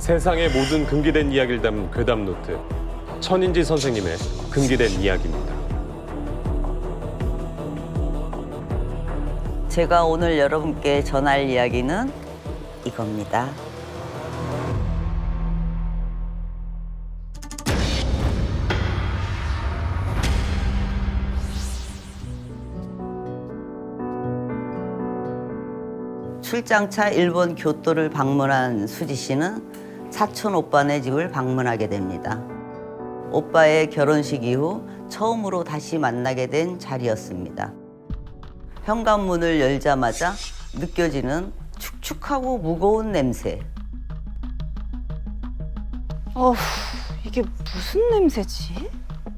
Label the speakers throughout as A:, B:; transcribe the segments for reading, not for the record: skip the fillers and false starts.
A: 세상의 모든 금기된 이야기를 담은 괴담 노트. 천인지 선생님의 금기된 이야기입니다.
B: 제가 오늘 여러분께 전할 이야기는 이겁니다. 출장차 일본 교토를 방문한 수지 씨는 사촌 오빠네 집을 방문하게 됩니다. 오빠의 결혼식 이후 처음으로 다시 만나게 된 자리였습니다. 현관문을 열자마자 느껴지는 축축하고 무거운 냄새.
C: 어후, 이게 무슨 냄새지?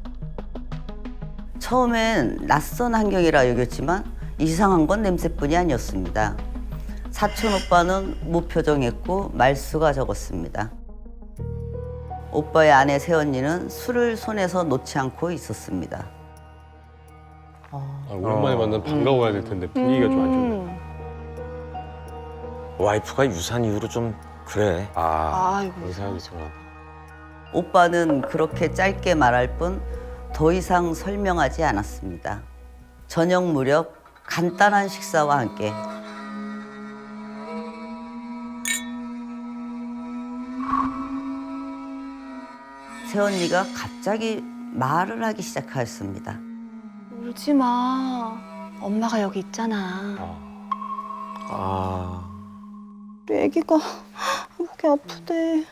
B: 처음엔 낯선 환경이라 여겼지만 이상한 건 냄새뿐이 아니었습니다. 사촌 오빠는 무표정했고 말수가 적었습니다. 오빠의 아내 새언니는 술을 손에서 놓지 않고 있었습니다.
A: 오랜만에 만나면 반가워야 될 텐데 분위기가 좀 안 좋네.
D: 와이프가 유산 이후로 좀 그래.
C: 아이고,
A: 이상하게 정말.
B: 오빠는 그렇게 짧게 말할 뿐 더 이상 설명하지 않았습니다. 저녁 무렵 간단한 식사와 함께 새언니가 갑자기 말을 하기 시작하였습니다.
C: 울지 마. 엄마가 여기 있잖아.
D: 아,
C: 우리 애기가 목이 아프대.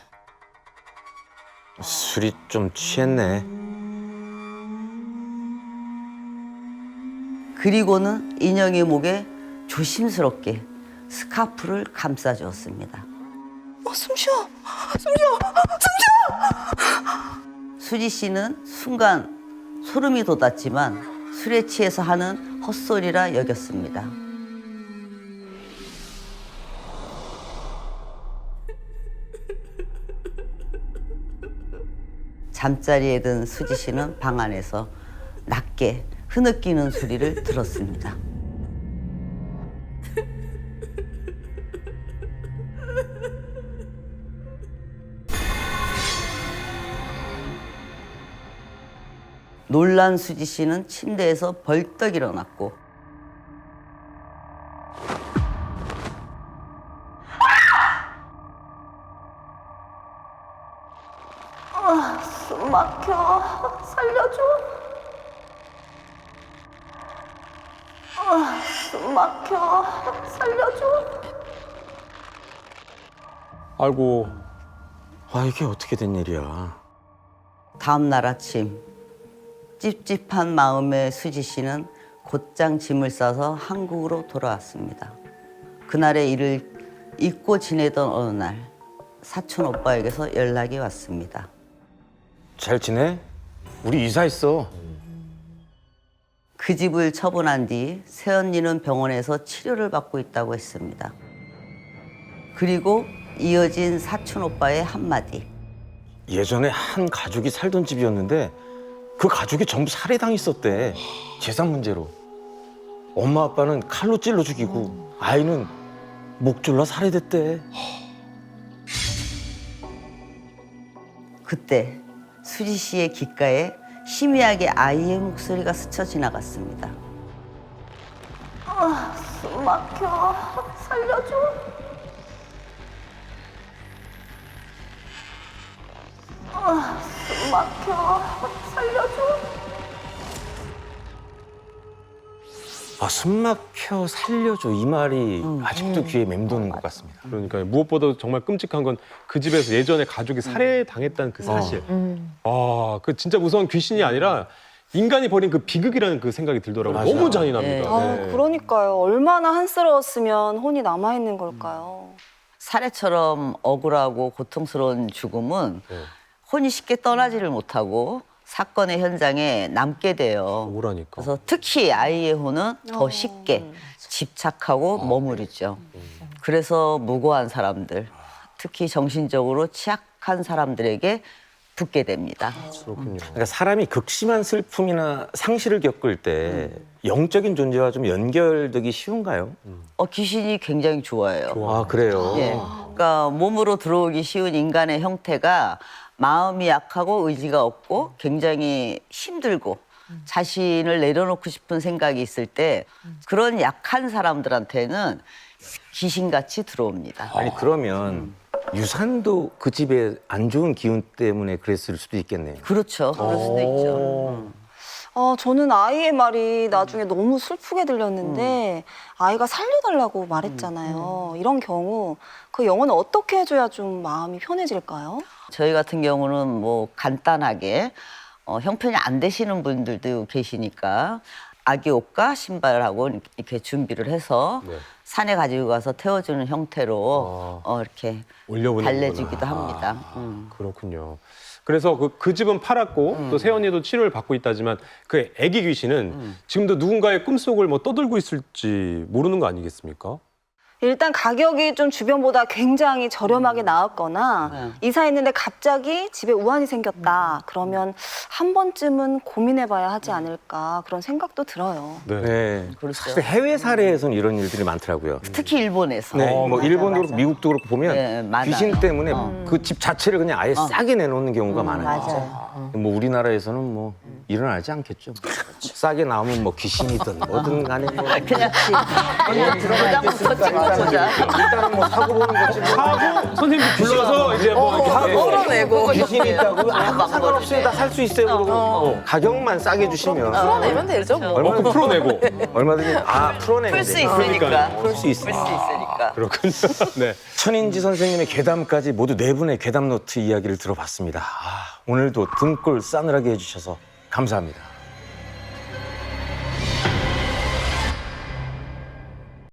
D: 술이 좀 취했네.
B: 그리고는 인형의 목에 조심스럽게 스카프를 감싸주었습니다.
C: 숨 쉬어.
B: 수지 씨는 순간 소름이 돋았지만 술에 취해서 하는 헛소리라 여겼습니다. 잠자리에 든 수지 씨는 방 안에서 낮게 흐느끼는 소리를 들었습니다. 놀란 수지 씨는 침대에서 벌떡 일어났고 숨 막혀. 살려줘. 숨 막혀. 살려줘.
A: 아이고,
D: 아, 이게 어떻게 된 일이야?
B: 다음 날 아침 찝찝한 마음의 수지 씨는 곧장 짐을 싸서 한국으로 돌아왔습니다. 그날의 일을 잊고 지내던 어느 날 사촌 오빠에게서 연락이 왔습니다.
D: 잘 지내? 우리 이사했어.
B: 그 집을 처분한 뒤 새언니는 병원에서 치료를 받고 있다고 했습니다. 그리고 이어진 사촌 오빠의 한마디.
D: 예전에 한 가족이 살던 집이었는데 그 가족이 전부 살해당했었대. 재산 문제로. 엄마 아빠는 칼로 찔러 죽이고 아이는 목 졸라 살해됐대.
B: 그때 수지 씨의 귓가에 희미하게 아이의 목소리가 스쳐 지나갔습니다. 숨 막혀. 살려줘. 숨 막혀. 살려줘.
D: 아, 숨 막혀 살려줘. 이 말이 아직도 귀에 맴도는 것 같습니다.
A: 그러니까 무엇보다 정말 끔찍한 건 그 집에서 예전에 가족이 살해당했다는 그 사실. 그 진짜 무서운 귀신이 아니라 인간이 벌인 그 비극이라는 그 생각이 들더라고요.
D: 맞아요.
A: 너무 잔인합니다.
C: 아,
A: 네.
C: 그러니까요. 얼마나 한스러웠으면 혼이 남아있는 걸까요?
B: 살해처럼 억울하고 고통스러운 죽음은
A: 네.
B: 혼이 쉽게 떠나지를 못하고 사건의 현장에 남게 돼요.
A: 억울하니까.
B: 그래서 특히 아이의 혼은 더 쉽게 집착하고 머무르죠. 그래서 무고한 사람들, 특히 정신적으로 취약한 사람들에게 붙게 됩니다.
A: 그렇군요.
D: 그러니까 사람이 극심한 슬픔이나 상실을 겪을 때 영적인 존재와 좀 연결되기 쉬운가요?
B: 귀신이 굉장히 좋아해요.
D: 아, 그래요?
B: 예. 그러니까 몸으로 들어오기 쉬운 인간의 형태가 마음이 약하고 의지가 없고 굉장히 힘들고 자신을 내려놓고 싶은 생각이 있을 때 그런 약한 사람들한테는 귀신같이 들어옵니다.
D: 아니, 그러면 유산도 그 집에 안 좋은 기운 때문에 그랬을 수도 있겠네요.
B: 그렇죠. 그럴 수도 있죠.
C: 저는 아이의 말이 나중에 너무 슬프게 들렸는데 아이가 살려달라고 말했잖아요. 이런 경우 그 영혼은 어떻게 해줘야 좀 마음이 편해질까요?
B: 저희 같은 경우는 뭐 간단하게 형편이 안 되시는 분들도 계시니까 아기 옷과 신발하고 이렇게 준비를 해서
A: 네.
B: 산에 가지고 가서 태워주는 형태로 이렇게
A: 올려보내는구나.
B: 달래주기도 합니다.
A: 그렇군요. 그래서 그 집은 팔았고 또 세연이도 치료를 받고 있다지만 그 애기 귀신은 지금도 누군가의 꿈속을 뭐 떠들고 있을지 모르는 거 아니겠습니까?
C: 일단 가격이 좀 주변보다 굉장히 저렴하게 나왔거나 이사했는데 갑자기 집에 우환이 생겼다. 그러면 한 번쯤은 고민해봐야 하지 않을까 그런 생각도 들어요.
A: 네.
D: 네.
B: 그렇죠.
D: 사실 해외 사례에서는 이런 일들이 많더라고요.
B: 특히 일본에서.
D: 네, 뭐
B: 맞아,
D: 일본도
B: 맞아.
D: 그렇고 미국도 그렇고 보면
B: 네, 많아요.
D: 귀신 때문에 그 집 자체를 그냥 아예 싸게 내놓는 경우가 많아요.
B: 맞아요.
D: 뭐 우리나라에서는 뭐 일어나지 않겠죠. 싸게 나오면 뭐 귀신이든 뭐든 간에 뭐
B: 그냥 도장부터 찍고 보자.
D: 일단은 뭐 사고 보는 거지. 뭐.
A: 하고 선생님 불러서 이제 뭐 이렇게
B: 풀어내고
D: 귀신이 있다고 상관없어요. 다 살 수 있어요. 그러고 가격만 싸게 주시면
E: 풀어내면 되죠, 뭐.
A: 그 풀어내고.
D: 얼마든지 풀어내면
B: 풀 수
D: 돼요.
B: 있으니까.
D: 풀 수 있어.
B: 풀 수 있으니까.
A: 그렇군요. 네.
D: 천인지 선생님의 괴담까지 모두 4분의 괴담 노트 이야기를 들어봤습니다. 오늘도 등골 싸늘하게 해주셔서 감사합니다.